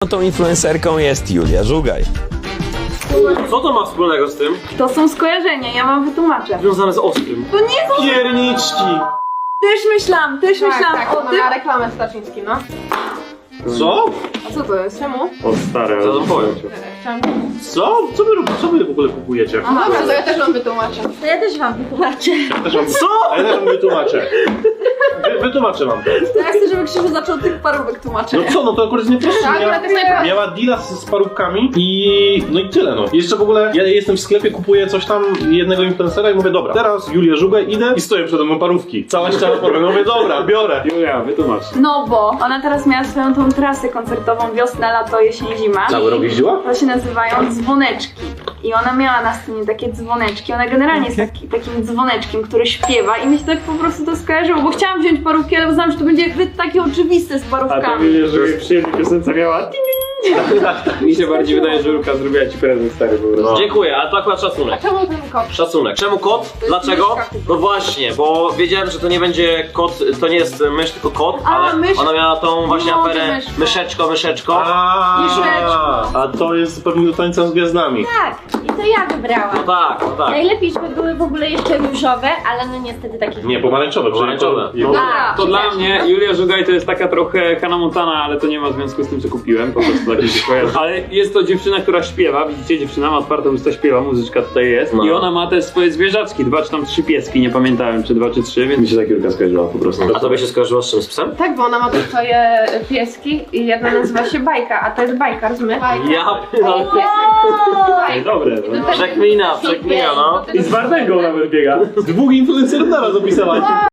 tą influencerką jest Julia Żugaj. Co to ma wspólnego z tym? To są skojarzenia, ja wam wytłumaczę. Związane z ostrym. To nie są... Pierniczki! Też myślałam Tak, o no tym. na reklamę Staczyński, no. Co? A co to jest? Czemu? O stare, Co to powiem? Chciałam... Co? Co wy w ogóle kupujecie? No dobra, to ja też wam wytłumaczę. To ja też wam wytłumaczę. Co? Ja też wam wytłumaczę. Wytłumaczę wam to. To ja chcę, żeby Krzysiu zaczął tych parówek tłumaczyć. No co, no to akurat jest nieproste. Tak, akurat jest najprościej. Miała deala z parówkami i... no i tyle no. Jeszcze w ogóle ja jestem w sklepie, kupuję coś tam jednego influencera i mówię dobra, teraz Julia Żugaj idę i stoję przede mną parówki. Cała ściana parówek. No mówię dobra, biorę. Julia, wytłumacz. No bo ona teraz miała swoją tą trasę koncertową wiosna, lato, jesień, zima. Cały rok jeździła? To się nazywają dzwoneczki. I ona miała na scenie takie dzwoneczki. Ona generalnie jest takim dzwoneczkiem, który śpiewa i mi się tak po prostu to skojarzyło, bo chciałam wziąć parówki, ale uznałam, że to będzie zbyt takie oczywiste z A to parówkami. wiesz, że przy jednej piosence miała... Mi się bardziej wydaje, że Julka zrobiła ci prezent stary po prostu. No. Dziękuję, ale to akurat szacunek. Czemu ten kot? Szacunek. Czemu kot? Dlaczego? myszka. No właśnie, bo wiedziałem, że to nie będzie kot, to nie jest mysz, tylko kot, A, ale mysz. ona miała tą właśnie No, aferę myszka. myszeczko. Myszeczko. A to jest pewnie do tańca z gwiazdami. Tak, i to ja wybrałam. No tak, no tak. Najlepiej, żeby były w ogóle jeszcze różowe, ale no niestety takie... Nie, pomarańczowe. Pomarańczowe. No. A, To dla mnie Julia Żugaj to jest taka trochę Hannah Montana, ale to nie ma związku z tym, co kupiłem, po prostu takie się kojarzy. Ale jest to dziewczyna, która śpiewa, widzicie, dziewczyna ma otwartą usta, śpiewa, muzyczka tutaj jest. No. I ona ma te swoje zwierzaczki, 2 czy tam 3 pieski, nie pamiętałem, czy 2 czy 3, więc mi się tak Julka skojarzyła po prostu. A tobie się skojarzyło z czym? Z psem? Tak, bo ona ma tu swoje pieski i jedna nazywa się Bajka, a to jest Bajka, rozumiesz? Ja Ej, dobre, no. Przekmina, no. I z Wardęgą nawet biega. 2 influencerów naraz opisała.